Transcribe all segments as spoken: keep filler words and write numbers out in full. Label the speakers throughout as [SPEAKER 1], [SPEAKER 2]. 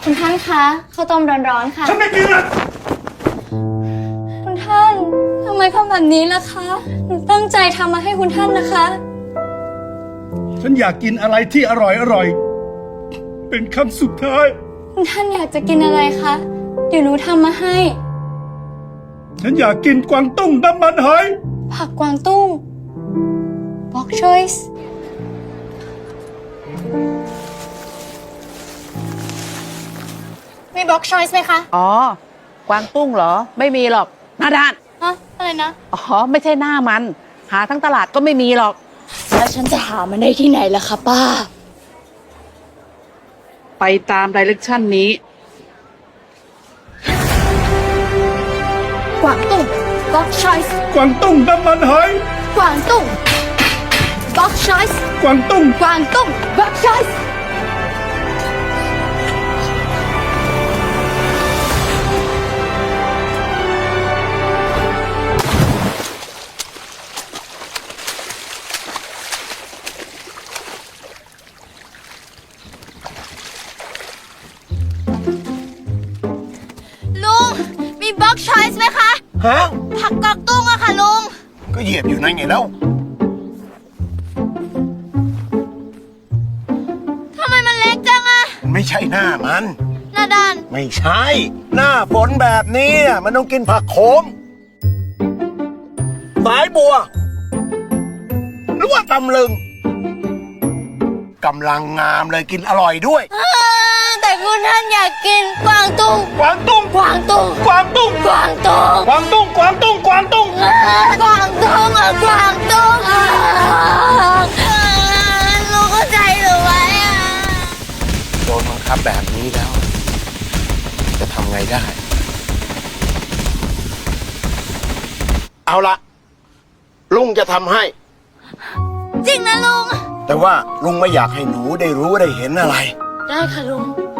[SPEAKER 1] คุณท่านคะข้าวต้มร้อนๆค่ะ
[SPEAKER 2] ฉันไม่กินนะ
[SPEAKER 1] คุณท่านทำไมทำแบบนี้ล่ะคะหนูตั้งใจทำมาให้คุณท่านนะคะ
[SPEAKER 2] ฉันอยากกินอะไรที่อร่อยอร่อยเป็นคำสุดท้าย
[SPEAKER 1] คุณท่านอยากจะกินอะไรคะเดี๋ยวหนูทำมาให้
[SPEAKER 2] ฉันอยากกินกวางตุ้งน้ำมันหอย
[SPEAKER 1] ผักกวางตุ้ง Bok choice มี Bok choice ไหมคะ
[SPEAKER 3] อ๋อ กวางตุ้งเหรอ ไม่มีหรอกหน้าด้าน
[SPEAKER 1] ฮะอะไรนะ
[SPEAKER 3] อ๋อ ไม่ใช่หน้ามัน หาทั้งตลาดก็ไม่มีหรอก
[SPEAKER 1] แล้วฉันจะหามันได้ที่ไหนล่ะคะป้า
[SPEAKER 3] ไปตามไดเรกชันนี้
[SPEAKER 1] กวางตุ้ง Bok choice
[SPEAKER 2] กวางตุ้งน้ำมันหอย
[SPEAKER 1] กวางตุ้ง Bok choice
[SPEAKER 2] กวางตุ้ง
[SPEAKER 1] กวางตุ้ง Bok choice ลุง มี Bok choice ไหมคะ
[SPEAKER 4] ฮะ
[SPEAKER 1] ผักกวางตุ้งอะค่ะลุง
[SPEAKER 4] ก็เหยียบอยู่นั่นไงแล้ว
[SPEAKER 1] ทำไมมันเล็กจังอะ
[SPEAKER 4] ไม่ใช่หน้ามัน
[SPEAKER 1] หน้าด้าน
[SPEAKER 4] ไม่ใช่ หน้าฝนแบบนี้น่ะมันต้องกินผักโขมสายบัว หรือว่าตำลึงกำลังงามเลยกินอร่อยด้วย
[SPEAKER 1] แต่คุณท่านอยากกินกวางตุ้ง
[SPEAKER 2] กวางตุ้ง
[SPEAKER 1] กวางตุ้ง
[SPEAKER 2] กวางตุ้ง
[SPEAKER 1] กวางตุ้ง
[SPEAKER 2] กวางตุ้งกวางตุ้งกวางตุ้ง
[SPEAKER 1] กวางตุ้งอะกวางตุ้งอะลุงเข้าใจหรือไว้อะ
[SPEAKER 4] โดนบังคับแบบนี้แล้ว จะทำไงได้ เอาละลุงจะทำให้
[SPEAKER 1] จริงนะลุง
[SPEAKER 4] แต่ว่าลุงไม่อยากให้หนูได้รู้ได้เห็นอะไร
[SPEAKER 1] ได้ค่ะลุง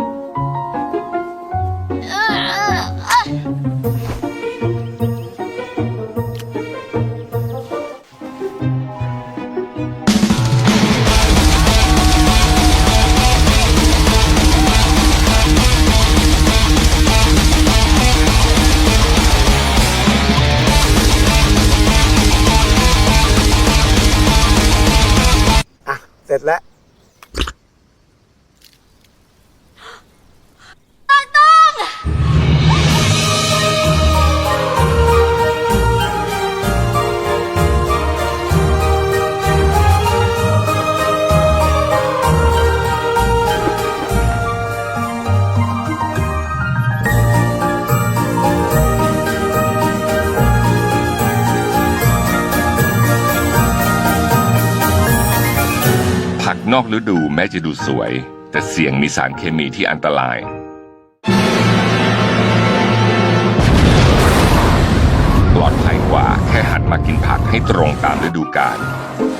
[SPEAKER 4] อ่ะ เสร็จแล้ว
[SPEAKER 5] ผักนอกฤดูแม้จะดูสวย แต่เสี่ยงมีสารเคมีที่อันตราย ปลอดภัยกว่าแค่หันมากินผักให้ตรงตามฤดูกาล